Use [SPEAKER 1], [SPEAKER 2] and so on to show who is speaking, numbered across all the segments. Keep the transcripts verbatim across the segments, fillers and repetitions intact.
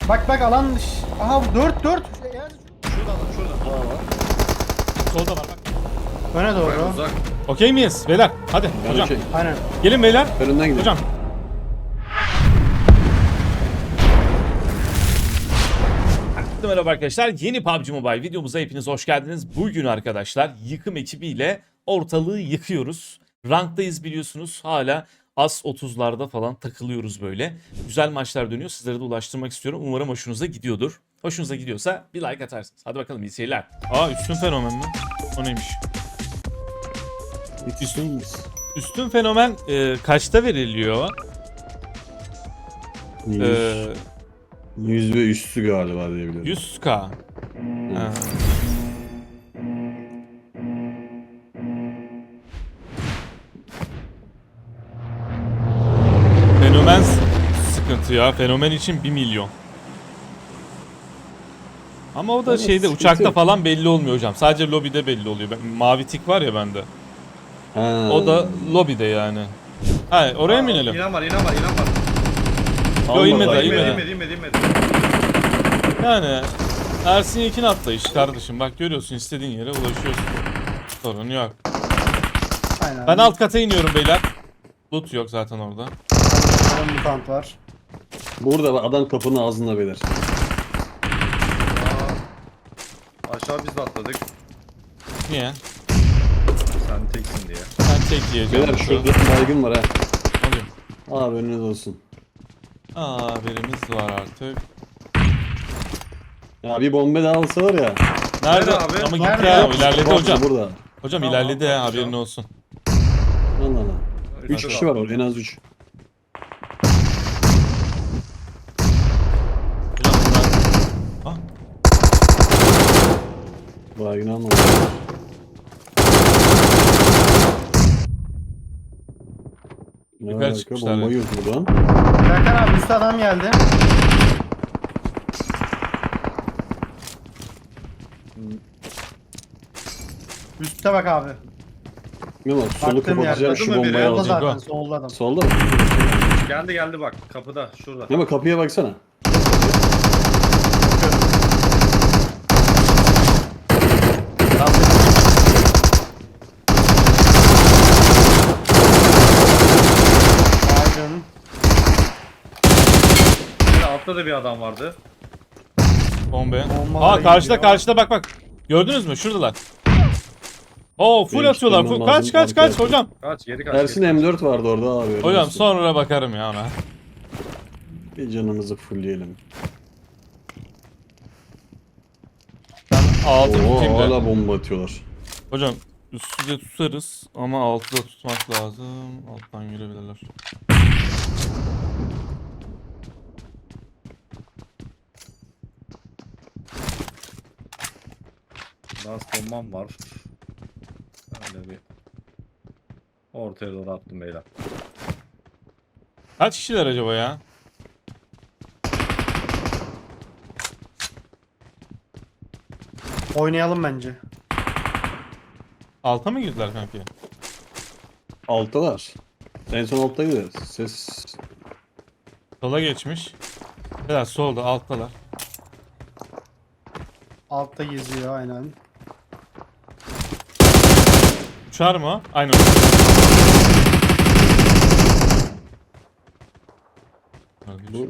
[SPEAKER 1] Bak bak alan dış. Aha dört dört.
[SPEAKER 2] Şuradan lan şuradan.
[SPEAKER 3] Aa var.
[SPEAKER 4] Solda var bak.
[SPEAKER 1] Öne
[SPEAKER 2] Bayağı
[SPEAKER 1] doğru.
[SPEAKER 2] uzak.
[SPEAKER 4] Okey miyiz beyler? Hadi
[SPEAKER 3] Ben
[SPEAKER 4] hocam.
[SPEAKER 3] okey.
[SPEAKER 1] Aynen.
[SPEAKER 4] Gelin beyler.
[SPEAKER 3] Önünden gidelim.
[SPEAKER 4] Hocam. Herkese merhaba arkadaşlar. Yeni P U B G Mobile videomuza hepiniz hoş geldiniz. Bugün arkadaşlar yıkım ekibiyle ortalığı yıkıyoruz. Ranktayız biliyorsunuz. Hala as otuzlarda falan takılıyoruz böyle. Güzel maçlar dönüyor. Sizlere de ulaştırmak istiyorum. Umarım hoşunuza gidiyordur. Hoşunuza gidiyorsa bir like atarsınız. Hadi bakalım iyi seyirler. Aa üstün fenomen mi? O neymiş?
[SPEAKER 3] Üstünüz.
[SPEAKER 4] Üstün fenomen e, kaçta veriliyor? E,
[SPEAKER 3] yüz ve üstü galiba diyebilirim.
[SPEAKER 4] yüz K. Ha. Fenomen s- sıkıntı ya. Fenomen için bir milyon. Ama o da
[SPEAKER 3] Evet,
[SPEAKER 4] şeyde
[SPEAKER 3] sıkıntı
[SPEAKER 4] uçakta
[SPEAKER 3] yok.
[SPEAKER 4] falan belli olmuyor hocam. Sadece lobide belli oluyor. Ben, mavi tik var ya bende.
[SPEAKER 3] Ha.
[SPEAKER 4] O da lobide yani. Ha oraya mı inelim?
[SPEAKER 2] İnan var, inan var, inan var.
[SPEAKER 4] Yo, inmedi,
[SPEAKER 3] Allah
[SPEAKER 4] inmedi.
[SPEAKER 3] Allah.
[SPEAKER 2] İnmedi, inmedi, inmedi, inmedi.
[SPEAKER 4] Yani Ersin Yekin atlayış kardeşim. Bak görüyorsun istediğin yere ulaşıyorsun. Sorun yok.
[SPEAKER 1] Aynen.
[SPEAKER 4] Ben alt kata iniyorum beyler. Loot yok zaten orada.
[SPEAKER 1] Orada mutant var.
[SPEAKER 3] Burada bak, adam kapının ağzında beyler.
[SPEAKER 2] Aa, aşağı biz de atladık.
[SPEAKER 4] Niye?
[SPEAKER 2] Sen teksin diye.
[SPEAKER 4] Sen tek yiyeceğim.
[SPEAKER 3] Beyler şurada baygın var ha.
[SPEAKER 4] Alayım.
[SPEAKER 3] Abi önünüz olsun.
[SPEAKER 4] Aa haberimiz var artık.
[SPEAKER 3] Ya bir bombe daha alsa var ya.
[SPEAKER 4] Nerede?
[SPEAKER 2] Nerede abi?
[SPEAKER 4] Ama gitti
[SPEAKER 1] Nerede?
[SPEAKER 4] ya. O ilerledi
[SPEAKER 3] Bak,
[SPEAKER 4] hocam.
[SPEAKER 3] Burada.
[SPEAKER 4] Hocam
[SPEAKER 2] Tamam,
[SPEAKER 4] ilerledi ya
[SPEAKER 2] tamam,
[SPEAKER 4] haberin
[SPEAKER 2] tamam.
[SPEAKER 4] olsun.
[SPEAKER 3] Lan lan lan. üç
[SPEAKER 2] Hadi
[SPEAKER 3] kişi var orada en az üç.
[SPEAKER 4] Hocam bunlar... Ah,
[SPEAKER 3] Baygın almadı. Ne
[SPEAKER 4] Yukarı
[SPEAKER 3] alaka?
[SPEAKER 4] çıkmışlar
[SPEAKER 3] Bomba
[SPEAKER 4] ya.
[SPEAKER 3] yok buradan.
[SPEAKER 1] Serkan abi üstte adam geldi. Üstte bak abi.
[SPEAKER 3] Ne var? Solu
[SPEAKER 1] Baktığım
[SPEAKER 3] kapatacağım
[SPEAKER 1] yerde.
[SPEAKER 3] şu
[SPEAKER 2] Değil mi biri?
[SPEAKER 3] bombayı
[SPEAKER 1] Solda
[SPEAKER 3] alacağım.
[SPEAKER 1] zaten
[SPEAKER 4] Go.
[SPEAKER 1] solda adam.
[SPEAKER 3] Solda mı?
[SPEAKER 2] Geldi geldi bak kapıda şurada.
[SPEAKER 3] Ne bak kapıya baksana.
[SPEAKER 1] Baygın.
[SPEAKER 2] Bir de altta da bir adam vardı.
[SPEAKER 4] bombe.
[SPEAKER 1] Bombalar
[SPEAKER 4] Aa karşıda
[SPEAKER 1] gidiyor.
[SPEAKER 4] karşıda bak bak. Gördünüz mü? Şuradalar. Oo full
[SPEAKER 3] Benim
[SPEAKER 4] atıyorlar.
[SPEAKER 3] çıkmam
[SPEAKER 4] Full.
[SPEAKER 3] lazım,
[SPEAKER 4] Kaç kaç kaç
[SPEAKER 3] arkaya.
[SPEAKER 4] hocam.
[SPEAKER 2] Kaç geri kaç.
[SPEAKER 3] Ersin
[SPEAKER 2] geri.
[SPEAKER 3] M dört vardı orada abi. öyle
[SPEAKER 4] Hocam
[SPEAKER 3] olsun.
[SPEAKER 4] sonra bakarım ya ona.
[SPEAKER 3] Bir canımızı fullleyelim.
[SPEAKER 4] Ben altı
[SPEAKER 3] Oo,
[SPEAKER 4] tutayım da.
[SPEAKER 3] hala bomba atıyorlar.
[SPEAKER 4] Hocam üstü de tutarız ama altı da tutmak lazım. Alttan girebilirler.
[SPEAKER 2] Last bombam var. Öyle bir ortaya doğru attım beyler.
[SPEAKER 4] Kaç kişiler acaba ya?
[SPEAKER 1] Oynayalım bence.
[SPEAKER 4] Alta mı girdiler kanki?
[SPEAKER 3] Alttalar. En son altta gideriz. Ses.
[SPEAKER 4] Sola geçmiş. Biraz solda alttalar.
[SPEAKER 1] Altta geziyor aynen.
[SPEAKER 4] Uçar mı o? Aynen.
[SPEAKER 3] Bu-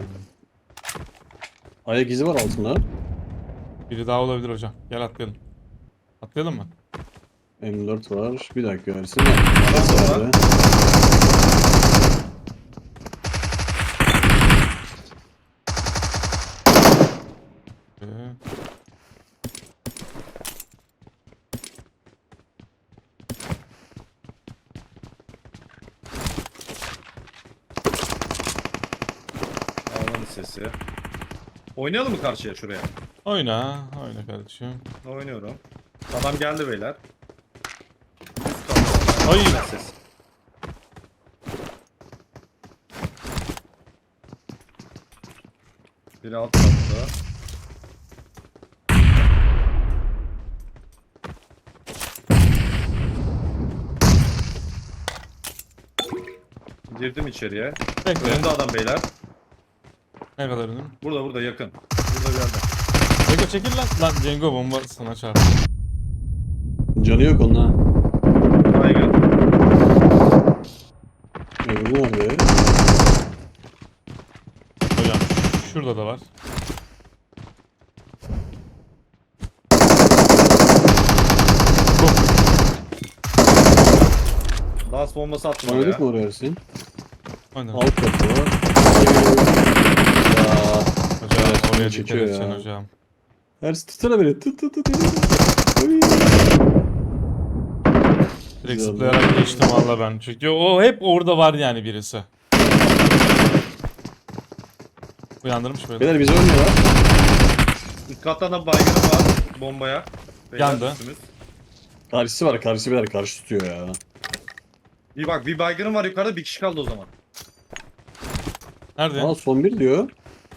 [SPEAKER 3] Ayak izi var altında.
[SPEAKER 4] Biri daha olabilir hocam. Gel atlayalım. Atlayalım mı?
[SPEAKER 3] M dört var. Bir dakika versin.
[SPEAKER 2] Adam var.
[SPEAKER 4] Ee,
[SPEAKER 2] Alanın sesi. Oynayalım mı karşıya şuraya?
[SPEAKER 4] oyna. Oyna kardeşim.
[SPEAKER 2] Oynuyorum. Adam geldi beyler. Üst katta.
[SPEAKER 4] Ay.
[SPEAKER 2] Ses. Biri alt katta. Girdim içeriye.
[SPEAKER 4] Bekle.
[SPEAKER 2] Önümde adam beyler.
[SPEAKER 4] Ne kadar önüm?
[SPEAKER 2] Burada burada yakın. Burada bir yerde.
[SPEAKER 4] Cengo çekil lan. Lan Cengo bomba sana çarptı.
[SPEAKER 3] Canı yok onun ha.
[SPEAKER 2] Baygın.
[SPEAKER 3] Öbürü nerede?
[SPEAKER 4] Hocam şurada da var.
[SPEAKER 2] Last bombası attım
[SPEAKER 3] Oynadık mı
[SPEAKER 2] oraya.
[SPEAKER 3] oraya Ersin?
[SPEAKER 4] Aynen.
[SPEAKER 3] Alt katı var. Ya.
[SPEAKER 4] Hocam
[SPEAKER 3] Evet,
[SPEAKER 4] oraya dikkat
[SPEAKER 3] çekiyor
[SPEAKER 4] edeceksin
[SPEAKER 3] ya.
[SPEAKER 4] hocam.
[SPEAKER 3] Ersin tutsana beni. Tut tut tut. Oy.
[SPEAKER 4] Direkt
[SPEAKER 3] Güzel.
[SPEAKER 4] zıplayarak geçtim valla ben. Çünkü o hep orada var yani birisi. Uyandırmış böyle.
[SPEAKER 3] Beyler bizi oynuyorlar.
[SPEAKER 2] İlk kattan da baygını var bombaya. Beyler,
[SPEAKER 4] Yandı.
[SPEAKER 2] üstümüz.
[SPEAKER 3] Karşısı var. Karşısı beyler karşı tutuyor ya.
[SPEAKER 2] Bir bak bir baygınım var yukarıda, bir kişi kaldı o zaman.
[SPEAKER 4] Nerede?
[SPEAKER 3] Aa son bir diyor.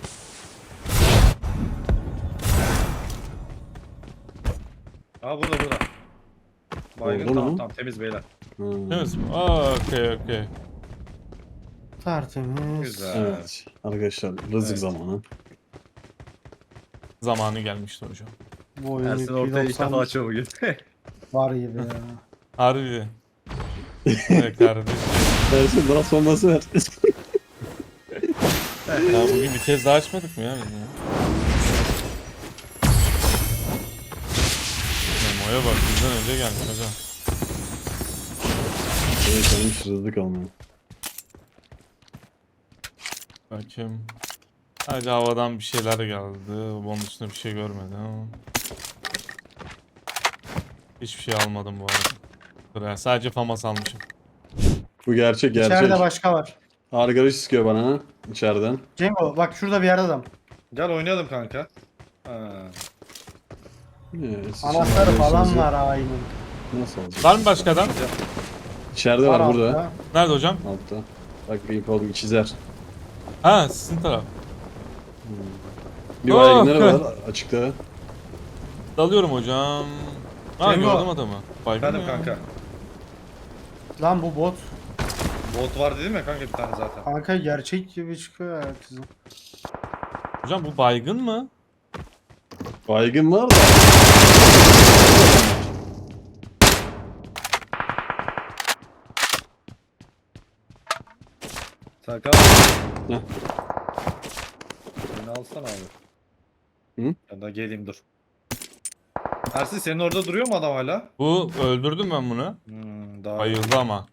[SPEAKER 2] Aa burada burada. Baygın
[SPEAKER 3] Oldu
[SPEAKER 2] tamam
[SPEAKER 3] mu?
[SPEAKER 2] tamam temiz beyler.
[SPEAKER 3] Hmm.
[SPEAKER 4] Temiz mi? Aa okey okey.
[SPEAKER 1] Tertemiz.
[SPEAKER 2] Güzel.
[SPEAKER 3] Evet. Arkadaşlar rızık
[SPEAKER 2] Evet.
[SPEAKER 3] zamanı.
[SPEAKER 4] Zamanı gelmişti hocam.
[SPEAKER 1] Bu oyun
[SPEAKER 2] Ersin ortaya ilk defa
[SPEAKER 1] iki doksan
[SPEAKER 2] açıyor bugün.
[SPEAKER 1] var gibi ya.
[SPEAKER 4] Harbi. Evet kardeşim.
[SPEAKER 3] Ersin daha sonması ver.
[SPEAKER 4] Ya bugün bir kez daha açmadık mı ya biz ya? Memo'ya bak bizden önce gelmiş hocam.
[SPEAKER 3] Evet olmuş rızık almıyor.
[SPEAKER 4] Bakayım. Sadece havadan bir şeyler geldi. Bunun üstünde bir şey görmedim ama. Hiçbir şey almadım bu arada. Buraya sadece famas almışım.
[SPEAKER 3] Bu gerçek gerçek.
[SPEAKER 1] İçeride başka var.
[SPEAKER 3] Arkadaş sıkıyor bana ha. İçeriden.
[SPEAKER 1] Cengo bak şurada bir yerde adam.
[SPEAKER 2] Gel oynayalım kanka. Ha.
[SPEAKER 3] Ee, siz
[SPEAKER 1] Anahtarı
[SPEAKER 3] şimdi
[SPEAKER 1] falan
[SPEAKER 3] arıyorsunuz
[SPEAKER 1] var aynen.
[SPEAKER 3] ya. Nasıl alacağız?
[SPEAKER 4] Var mı başka adam?
[SPEAKER 3] İçeride var, burada.
[SPEAKER 1] altta.
[SPEAKER 4] Nerede hocam?
[SPEAKER 3] Altta. Bak bir ip oldum çizer.
[SPEAKER 4] Ha sizin taraf.
[SPEAKER 3] Bir
[SPEAKER 4] Oh,
[SPEAKER 3] baygınları
[SPEAKER 4] okay.
[SPEAKER 3] var açıkta.
[SPEAKER 4] Dalıyorum hocam. Ha
[SPEAKER 2] Cengo.
[SPEAKER 4] gördüm adamı. Baygın
[SPEAKER 2] Efendim
[SPEAKER 4] ya.
[SPEAKER 2] kanka.
[SPEAKER 1] Lan bu bot.
[SPEAKER 2] Bot var dedim ya kanka bir tane zaten.
[SPEAKER 1] Kanka gerçek gibi çıkıyor ya kızım.
[SPEAKER 4] Hocam bu baygın mı?
[SPEAKER 3] Baygın var da.
[SPEAKER 2] Serkan.
[SPEAKER 3] Heh.
[SPEAKER 2] Beni alsana abi.
[SPEAKER 3] Hı?
[SPEAKER 2] Ben de geleyim dur. Ersin senin orada duruyor mu adam hala?
[SPEAKER 4] Bu öldürdüm ben bunu.
[SPEAKER 2] Hmm, daha
[SPEAKER 4] Bayıldı ama.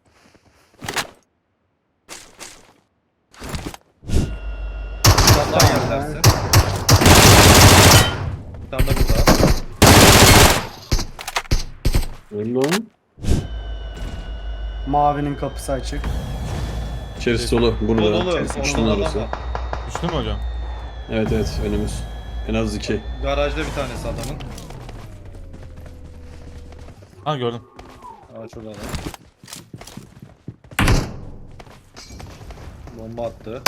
[SPEAKER 2] Bir tane daha geldi Ersin. Bir tane de burada.
[SPEAKER 3] Öyle lan.
[SPEAKER 1] Mavinin kapısı açık.
[SPEAKER 3] İçerisi dolu.
[SPEAKER 2] Dolu
[SPEAKER 3] Burada.
[SPEAKER 2] dolu.
[SPEAKER 3] Üçünün
[SPEAKER 2] Solda adam
[SPEAKER 3] arası.
[SPEAKER 2] var.
[SPEAKER 4] Düştü mü hocam?
[SPEAKER 3] Evet evet önümüz. En az iki.
[SPEAKER 2] Garajda bir tanesi adamın.
[SPEAKER 4] Ha gördüm.
[SPEAKER 2] Aa şurada adam. Bomba attı.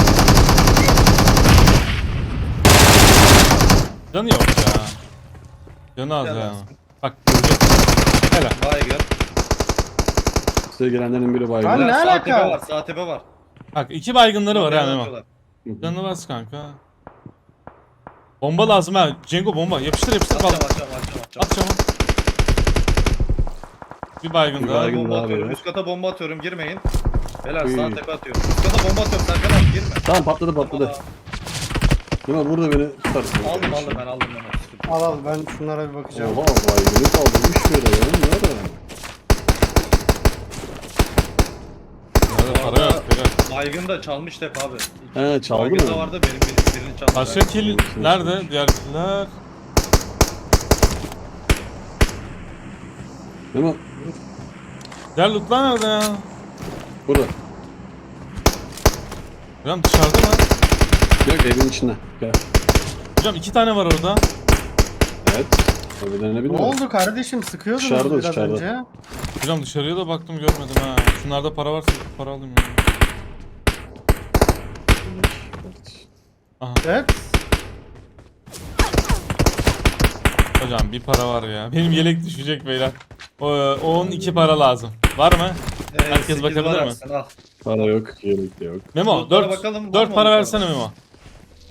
[SPEAKER 4] Canı yok ya. Canı az
[SPEAKER 2] Gel
[SPEAKER 4] ya.
[SPEAKER 2] Ersin.
[SPEAKER 4] Bak görecek. Helal.
[SPEAKER 2] Baygın.
[SPEAKER 3] Size gelenlerin biri baygın.
[SPEAKER 1] Lan ne
[SPEAKER 2] Sağ
[SPEAKER 1] alaka?
[SPEAKER 2] tepe var, sağ tepe var.
[SPEAKER 4] Bak iki baygınları var
[SPEAKER 2] Nereye
[SPEAKER 4] ha Memo.
[SPEAKER 2] atıyorlar?
[SPEAKER 3] Hı hı.
[SPEAKER 4] Canı bas kanka. Bomba lazım ha. Cengo bomba. Yapıştır yapıştır.
[SPEAKER 2] Atacağım,
[SPEAKER 4] Bal.
[SPEAKER 2] atacağım, atacağım, atacağım.
[SPEAKER 4] At çabuk. Bir baygın
[SPEAKER 3] Bir
[SPEAKER 4] daha.
[SPEAKER 3] baygın.
[SPEAKER 2] Bomba
[SPEAKER 3] daha
[SPEAKER 2] atıyorum.
[SPEAKER 3] beyler.
[SPEAKER 2] Üst kata bomba atıyorum, girmeyin. Beyler
[SPEAKER 3] Uy.
[SPEAKER 2] sağ tepe atıyorum. Üst kata bomba atıyorum, Serkan abi girme.
[SPEAKER 3] Tamam patladı patladı. Ama burada beni tutarsın.
[SPEAKER 2] Aldım aldım ben aldım ben. Sıkıntı yok.
[SPEAKER 1] Al al ben şunlara bir bakacağım.
[SPEAKER 3] Oha baygını kaldırmış böyle ya. Ne ara?
[SPEAKER 4] Nerede para yok. Beyler.
[SPEAKER 2] Baygın da çalmış tep abi.
[SPEAKER 3] He çaldı
[SPEAKER 2] Baygın da
[SPEAKER 3] mı?
[SPEAKER 2] vardı benim bir- birini çaldı.
[SPEAKER 4] Başka kill nerede? Diğer killer.
[SPEAKER 3] Ama
[SPEAKER 4] Diğer lootlar nerede ya?
[SPEAKER 3] burada.
[SPEAKER 4] Hocam dışarıda mı?
[SPEAKER 3] Yok evin içinde. Gel.
[SPEAKER 4] Hocam iki tane var orada.
[SPEAKER 3] Evet. Öbürlerine
[SPEAKER 1] Ne
[SPEAKER 3] bilmiyorum.
[SPEAKER 1] oldu kardeşim sıkıyordunuz
[SPEAKER 3] Dışarıda,
[SPEAKER 1] biraz
[SPEAKER 3] dışarıda.
[SPEAKER 1] önce.
[SPEAKER 4] Hocam dışarıya da baktım görmedim ha. Şunlarda para varsa para alayım ya.
[SPEAKER 1] Evet.
[SPEAKER 4] Hocam bir para var ya. Benim yelek düşecek beyler. O, on iki para lazım. Var mı?
[SPEAKER 2] Ee,
[SPEAKER 4] Herkes
[SPEAKER 2] sekiz
[SPEAKER 4] bakabilir
[SPEAKER 2] var
[SPEAKER 4] mi?
[SPEAKER 2] Ersin, al.
[SPEAKER 3] Para yok. Yelek de yok.
[SPEAKER 4] Memo
[SPEAKER 2] Lootlara
[SPEAKER 4] dört
[SPEAKER 2] bakalım, var
[SPEAKER 4] dört
[SPEAKER 2] mı
[SPEAKER 4] para
[SPEAKER 2] lootlar?
[SPEAKER 4] versene Memo.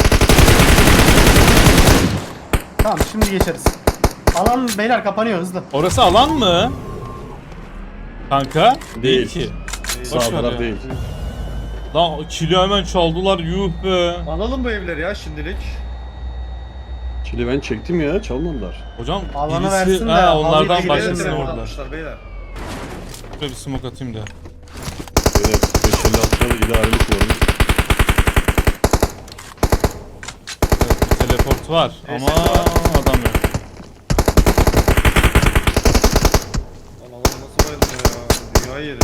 [SPEAKER 1] Tamam şimdi geçeriz. Alan beyler kapanıyor hızlı.
[SPEAKER 4] Orası alan mı? Kanka?
[SPEAKER 3] Değil.
[SPEAKER 4] ki.
[SPEAKER 3] Sağ
[SPEAKER 4] Boş ver
[SPEAKER 3] taraf
[SPEAKER 4] ya.
[SPEAKER 3] değil.
[SPEAKER 4] Lan kilo hemen çaldılar yuh be.
[SPEAKER 2] Alalım bu evleri ya şimdilik.
[SPEAKER 3] Çili ben çektim ya, çalmadılar.
[SPEAKER 4] Hocam
[SPEAKER 1] Alanı
[SPEAKER 4] birisi
[SPEAKER 1] versin de
[SPEAKER 4] ha,
[SPEAKER 1] halıyı
[SPEAKER 4] onlardan
[SPEAKER 1] da
[SPEAKER 2] Beyler
[SPEAKER 4] başkasını
[SPEAKER 1] gidelim
[SPEAKER 2] telefon
[SPEAKER 4] vurdular.
[SPEAKER 2] almışlar beyler.
[SPEAKER 4] Şöyle bir smoke atayım da.
[SPEAKER 3] Böyle beş elli altı idarelik var.
[SPEAKER 4] Evet, bir teleport var
[SPEAKER 2] Neyse,
[SPEAKER 4] ama
[SPEAKER 2] var.
[SPEAKER 4] adam yok.
[SPEAKER 2] Lan alan nasıl bayılmıyor ya? Dünyayı yedi.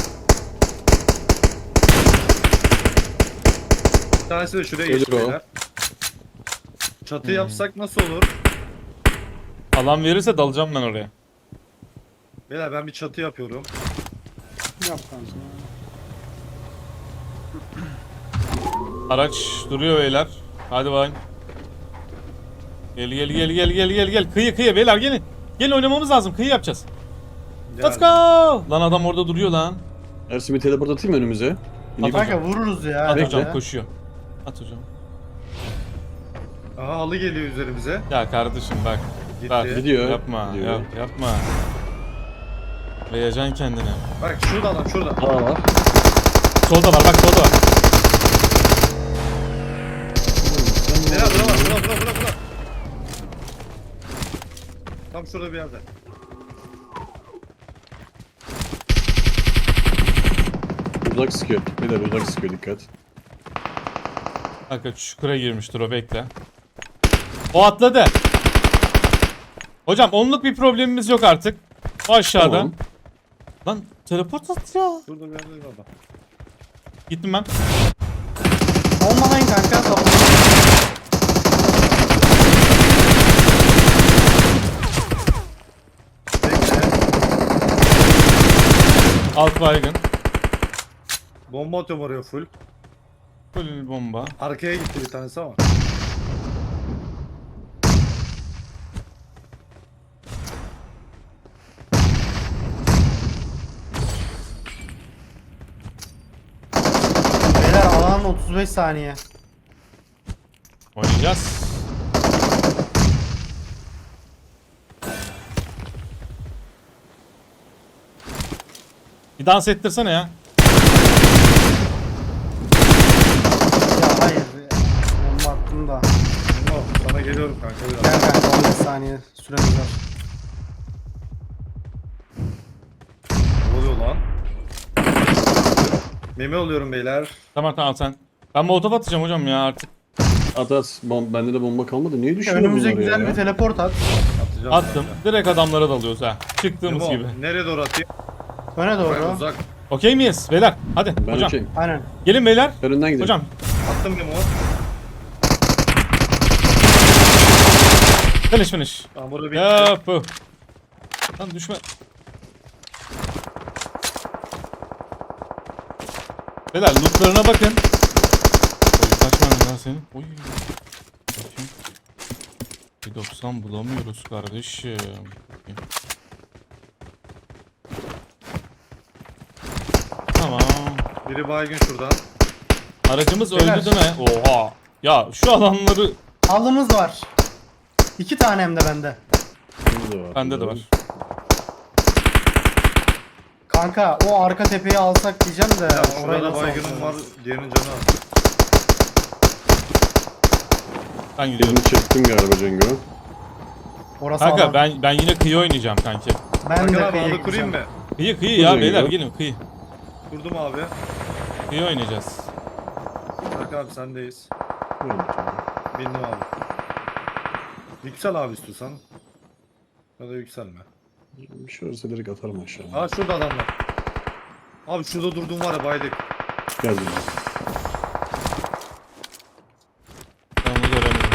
[SPEAKER 2] Bir tanesi de şuraya geçti
[SPEAKER 3] Gelir o.
[SPEAKER 2] beyler. Çatı
[SPEAKER 4] Hmm.
[SPEAKER 2] yapsak nasıl olur?
[SPEAKER 4] Alan verirse dalacağım ben oraya.
[SPEAKER 2] Beyler ben bir çatı yapıyorum.
[SPEAKER 1] Yap kanka.
[SPEAKER 4] Araç duruyor beyler. Hadi bakayım. Gel gel gel gel gel gel gel. Kıyı kıyı beyler gelin. Gelin oynamamız lazım. Kıyı yapacağız. Let's go. Lan adam orada duruyor lan.
[SPEAKER 3] Ersin bir teleport atayım mı önümüze? İneyim.
[SPEAKER 4] At
[SPEAKER 1] Kanka vururuz ya.
[SPEAKER 4] At
[SPEAKER 3] Bekle.
[SPEAKER 4] hocam koşuyor. At hocam.
[SPEAKER 2] Aha halı geliyor üzerimize.
[SPEAKER 4] Ya kardeşim bak.
[SPEAKER 2] Gitti.
[SPEAKER 4] Bak.
[SPEAKER 3] Gidiyor.
[SPEAKER 4] Yapma.
[SPEAKER 3] Gidiyor.
[SPEAKER 4] Yap, yapma. Veyacaksın kendine.
[SPEAKER 2] Bak şurada adam şurada.
[SPEAKER 3] Aa var.
[SPEAKER 4] Solda var bak solda var.
[SPEAKER 2] Beyler bura var bura bura bura bura. Tam şurada bir yerde.
[SPEAKER 3] Uzak sıkıyor. Beyler uzak sıkıyor, dikkat.
[SPEAKER 4] Kanka çukura girmiştir o bekle. O atladı. Hocam onluk bir problemimiz yok artık. O aşağıda.
[SPEAKER 3] Tamam.
[SPEAKER 4] Lan teleport at ya.
[SPEAKER 2] Şurada bir yerde adam.
[SPEAKER 4] Gittim ben.
[SPEAKER 1] Olmalayın kanka. Kapı.
[SPEAKER 2] Bekle.
[SPEAKER 4] Alt baygın.
[SPEAKER 2] Bomba atıyorum oraya full.
[SPEAKER 4] Full bomba.
[SPEAKER 2] Arkaya gitti bir tanesi ama.
[SPEAKER 1] Beyler alan otuz beş saniye.
[SPEAKER 4] Oynayacağız. Bir dans ettirsene ya.
[SPEAKER 1] Ya hayır. Bomba attım da.
[SPEAKER 2] Bomba sana geliyorum kanka biraz.
[SPEAKER 1] Gel kanka on beş saniye süremiz var.
[SPEAKER 2] Ne oluyor lan? Meme oluyorum beyler.
[SPEAKER 4] Tamam tamam sen. Ben molotof atacağım hocam ya artık.
[SPEAKER 3] At at. Bom bende de bomba kalmadı. Niye düşüyor
[SPEAKER 1] Önümüze
[SPEAKER 3] bunlar
[SPEAKER 1] güzel
[SPEAKER 3] ya?
[SPEAKER 1] bir teleport at.
[SPEAKER 2] Atacağım.
[SPEAKER 4] Attım. Direkt adamlara dalıyoruz ha. Çıktığımız
[SPEAKER 2] Memo,
[SPEAKER 4] gibi.
[SPEAKER 2] nereye doğru atayım?
[SPEAKER 1] Öne
[SPEAKER 2] Ben
[SPEAKER 1] doğru.
[SPEAKER 2] uzak.
[SPEAKER 4] Okey miyiz beyler? Hadi
[SPEAKER 3] Ben
[SPEAKER 4] hocam.
[SPEAKER 3] okeyim.
[SPEAKER 1] Aynen.
[SPEAKER 4] Gelin beyler.
[SPEAKER 3] Önünden gidelim.
[SPEAKER 4] Hocam.
[SPEAKER 2] Attım Memo.
[SPEAKER 4] Finish finish.
[SPEAKER 2] Tamam burada bir
[SPEAKER 4] Ya bu. Lan düşme. Beyler lootlarına bakın. Oy kaç tane lan senin? Oy. Bakayım. Bir doksan bulamıyoruz kardeşim. Bakayım. Tamam.
[SPEAKER 2] biri baygın şuradan.
[SPEAKER 4] Aracımız
[SPEAKER 1] Beyler.
[SPEAKER 4] öldü değil mi? Oha. Ya şu alanları
[SPEAKER 1] Halımız var. İki tane hem de bende.
[SPEAKER 3] Bende de var.
[SPEAKER 4] bende de var.
[SPEAKER 1] Kanka o arka tepeyi alsak diyeceğim de.
[SPEAKER 2] Ya
[SPEAKER 1] orayı
[SPEAKER 2] şurada
[SPEAKER 1] nasıl
[SPEAKER 2] baygınım
[SPEAKER 1] alacağız?
[SPEAKER 2] var. Diğerinin canı az.
[SPEAKER 4] Ben gidiyorum.
[SPEAKER 3] Birini çektim galiba Cengo.
[SPEAKER 1] Orası
[SPEAKER 4] Kanka
[SPEAKER 1] alan.
[SPEAKER 4] ben ben yine kıyı oynayacağım kanki.
[SPEAKER 1] Ben
[SPEAKER 2] Kanka
[SPEAKER 1] de
[SPEAKER 2] abi
[SPEAKER 1] kıyıya
[SPEAKER 2] halı kurayım
[SPEAKER 1] gideceğim.
[SPEAKER 2] mı?
[SPEAKER 4] Kıyı kıyı
[SPEAKER 3] Buyurun
[SPEAKER 4] ya beyler
[SPEAKER 3] ya.
[SPEAKER 4] gelin kıyı.
[SPEAKER 2] Kurdum abi.
[SPEAKER 4] Kıyı oynayacağız.
[SPEAKER 2] Kanka abi sendeyiz.
[SPEAKER 3] Buyurun.
[SPEAKER 2] Bindim abi. Yüksel abi istiyorsan. Ya da yükselme.
[SPEAKER 3] Bir şey olursa direkt atarım aşağı.
[SPEAKER 2] Aa şurada adamlar. Abi şurada durduğum var ya baydık.
[SPEAKER 3] Gel Cengo.
[SPEAKER 4] Ben onu göremedim.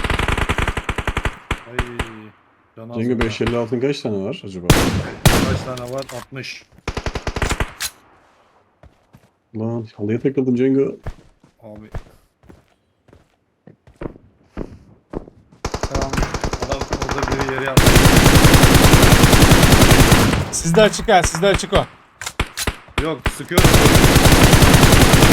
[SPEAKER 2] Ay. Canı az
[SPEAKER 3] Cengo
[SPEAKER 2] oldu.
[SPEAKER 3] beş elli altın kaç tane var acaba?
[SPEAKER 2] Kaç tane var? altmış.
[SPEAKER 3] Lan halıya takıldım Cengo.
[SPEAKER 2] Abi.
[SPEAKER 1] Tamam.
[SPEAKER 2] Adam orada biri yere yaptı.
[SPEAKER 4] Sizde açık ha sizde açık o.
[SPEAKER 2] Yok sıkıyorum.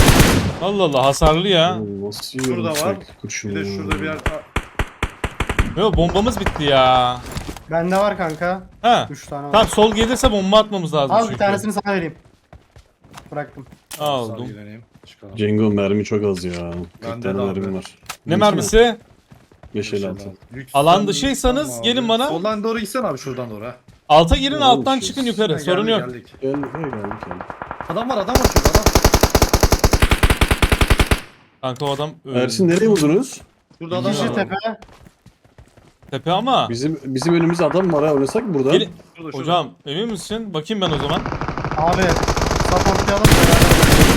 [SPEAKER 4] Allah Allah hasarlı ya.
[SPEAKER 3] Oğlum nasıl
[SPEAKER 2] Şurada
[SPEAKER 3] yiyorum
[SPEAKER 2] var.
[SPEAKER 3] sürekli kurşunu
[SPEAKER 2] Bir de
[SPEAKER 3] ya?
[SPEAKER 2] şurada bir yer. Aa,
[SPEAKER 4] Yok bombamız bitti ya.
[SPEAKER 1] Bende var kanka.
[SPEAKER 4] Ha.
[SPEAKER 1] üç tane var.
[SPEAKER 4] Tamam sol gelirse bomba atmamız lazım
[SPEAKER 1] Al
[SPEAKER 4] çünkü.
[SPEAKER 1] bir tanesini sana vereyim. Bıraktım.
[SPEAKER 4] Aldım.
[SPEAKER 2] Sağ ilgileneyim. Çıkalım.
[SPEAKER 3] Cengo mermi çok az ya. kırk
[SPEAKER 2] Bende
[SPEAKER 3] tane
[SPEAKER 2] de abi.
[SPEAKER 3] mermim var.
[SPEAKER 4] Ne mermisi?
[SPEAKER 3] beş elli altı.
[SPEAKER 2] Lüks
[SPEAKER 4] Alan
[SPEAKER 2] sen-
[SPEAKER 4] dışıysanız
[SPEAKER 2] tamam
[SPEAKER 4] gelin
[SPEAKER 2] abi.
[SPEAKER 4] bana.
[SPEAKER 2] Soldan doğru gitsen abi şuradan doğru ha.
[SPEAKER 4] Alta girin
[SPEAKER 3] Ne
[SPEAKER 4] alttan
[SPEAKER 3] olmuş
[SPEAKER 4] çıkın
[SPEAKER 3] ya?
[SPEAKER 4] yukarı.
[SPEAKER 2] Ha,
[SPEAKER 4] Sorun
[SPEAKER 2] geldik,
[SPEAKER 4] yok.
[SPEAKER 2] geldik.
[SPEAKER 3] Gel, gel geldik geldik.
[SPEAKER 2] Adam var adam var şurada adam.
[SPEAKER 4] Kanka o adam öldü.
[SPEAKER 3] Ersin nereye vurdunuz?
[SPEAKER 2] Şurada adam
[SPEAKER 1] Kişi
[SPEAKER 2] var.
[SPEAKER 1] tepe.
[SPEAKER 4] Tepe ama.
[SPEAKER 3] Bizim bizim önümüzde adam var ha, oynasak mı burada?
[SPEAKER 4] Gelin.
[SPEAKER 2] Şurada, şurada.
[SPEAKER 4] Hocam emin misin? Bakayım ben o zaman.
[SPEAKER 1] Abi. Supportlayalım beraber.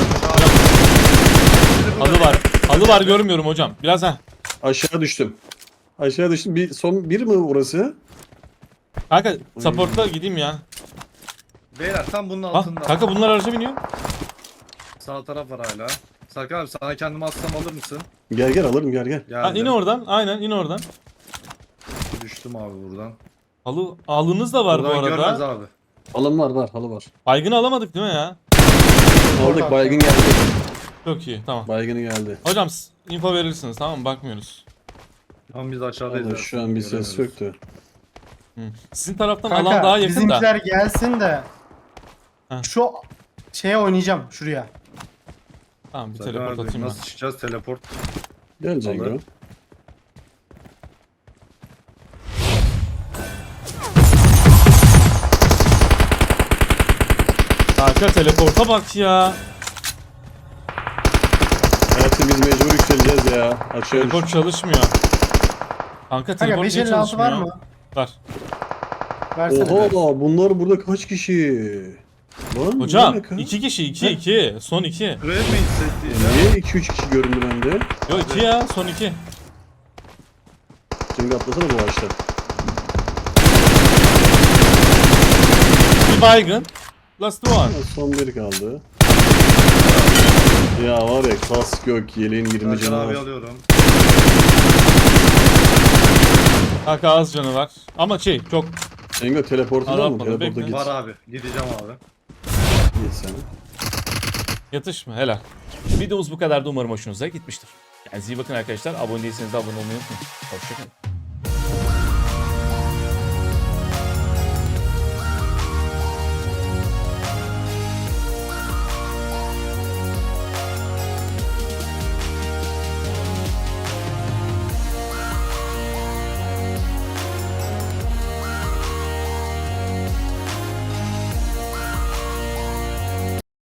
[SPEAKER 4] Halı var. Halı var görmüyorum hocam. Biraz ha.
[SPEAKER 3] Aşağı düştüm. Aşağı düştüm. Bir son bir mi orası?
[SPEAKER 4] Kanka support'a gideyim ya.
[SPEAKER 2] Beyler tam bunun
[SPEAKER 4] Ha,
[SPEAKER 2] altında.
[SPEAKER 4] kanka bunlar araca biniyor.
[SPEAKER 2] Sağ taraf var hala. Serkan abi sana kendimi atsam alır mısın?
[SPEAKER 3] Gel gel alırım gel gel.
[SPEAKER 4] Ha,
[SPEAKER 2] Geldim.
[SPEAKER 4] in oradan. Aynen in oradan.
[SPEAKER 2] Düştüm abi buradan.
[SPEAKER 4] Halı halınız da var
[SPEAKER 2] buradan
[SPEAKER 4] bu
[SPEAKER 2] görmez
[SPEAKER 4] arada.
[SPEAKER 2] abi.
[SPEAKER 3] Alım var var halı var.
[SPEAKER 4] Baygını alamadık değil mi ya?
[SPEAKER 3] Aldık baygın geldi.
[SPEAKER 4] Çok iyi tamam.
[SPEAKER 3] Baygını geldi.
[SPEAKER 4] Hocam s- info verirsiniz tamam mı? Bakmıyoruz.
[SPEAKER 2] Tam biz aşağıdayız.
[SPEAKER 3] Vallahi
[SPEAKER 2] ya.
[SPEAKER 3] şu an bir ses
[SPEAKER 2] Göremiyoruz.
[SPEAKER 3] yoktu.
[SPEAKER 4] Hı. Sizin taraftan
[SPEAKER 1] Kanka
[SPEAKER 4] alan daha yakın da.
[SPEAKER 1] bizimkiler gelsin de.
[SPEAKER 4] Ha.
[SPEAKER 1] Şu şeye oynayacağım şuraya.
[SPEAKER 4] Tamam bir
[SPEAKER 2] Serkan
[SPEAKER 4] teleport
[SPEAKER 2] abi,
[SPEAKER 4] atayım ben.
[SPEAKER 2] nasıl çıkacağız teleport?
[SPEAKER 3] Gel Cengo.
[SPEAKER 2] Alır.
[SPEAKER 4] Kanka teleporta bak ya.
[SPEAKER 3] Ersin biz mecbur yükseleceğiz ya. Aşağı düş.
[SPEAKER 4] Teleport çalışmıyor. Kanka
[SPEAKER 1] Kanka
[SPEAKER 4] teleport
[SPEAKER 1] beş
[SPEAKER 4] niye
[SPEAKER 1] elli altı var
[SPEAKER 4] çalışmıyor?
[SPEAKER 1] mı?
[SPEAKER 4] Var.
[SPEAKER 1] Versene.
[SPEAKER 3] Oha bunlar burada kaç kişi? Lan
[SPEAKER 4] Hocam
[SPEAKER 3] ne alaka?
[SPEAKER 4] iki kişi iki iki. Son iki.
[SPEAKER 2] Buraya mı hissettiğiz ya?
[SPEAKER 3] Niye iki üç kişi göründü bende?
[SPEAKER 4] Yok iki ya son iki.
[SPEAKER 3] Cengo atlasana bu ağaçta.
[SPEAKER 4] Bir baygın. Last one.
[SPEAKER 3] Ha, son biri kaldı. Ya var ya kask yok, yeleğin yirmi
[SPEAKER 2] Serkan
[SPEAKER 3] canı
[SPEAKER 2] abi
[SPEAKER 3] var.
[SPEAKER 2] alıyorum.
[SPEAKER 4] Kanka az canı var. Ama şey çok.
[SPEAKER 3] Cengo teleportu var mı?
[SPEAKER 4] Arapmadı,
[SPEAKER 3] Teleporta
[SPEAKER 4] bekle.
[SPEAKER 3] git.
[SPEAKER 2] Var abi. Gideceğim abi.
[SPEAKER 3] Git sen.
[SPEAKER 4] Yatış mı? Helal. Videomuz bu kadardı. Umarım hoşunuza gitmiştir. Kendinize iyi bakın arkadaşlar. Abone değilseniz de abone olmayı unutmayın. Hoşçakalın.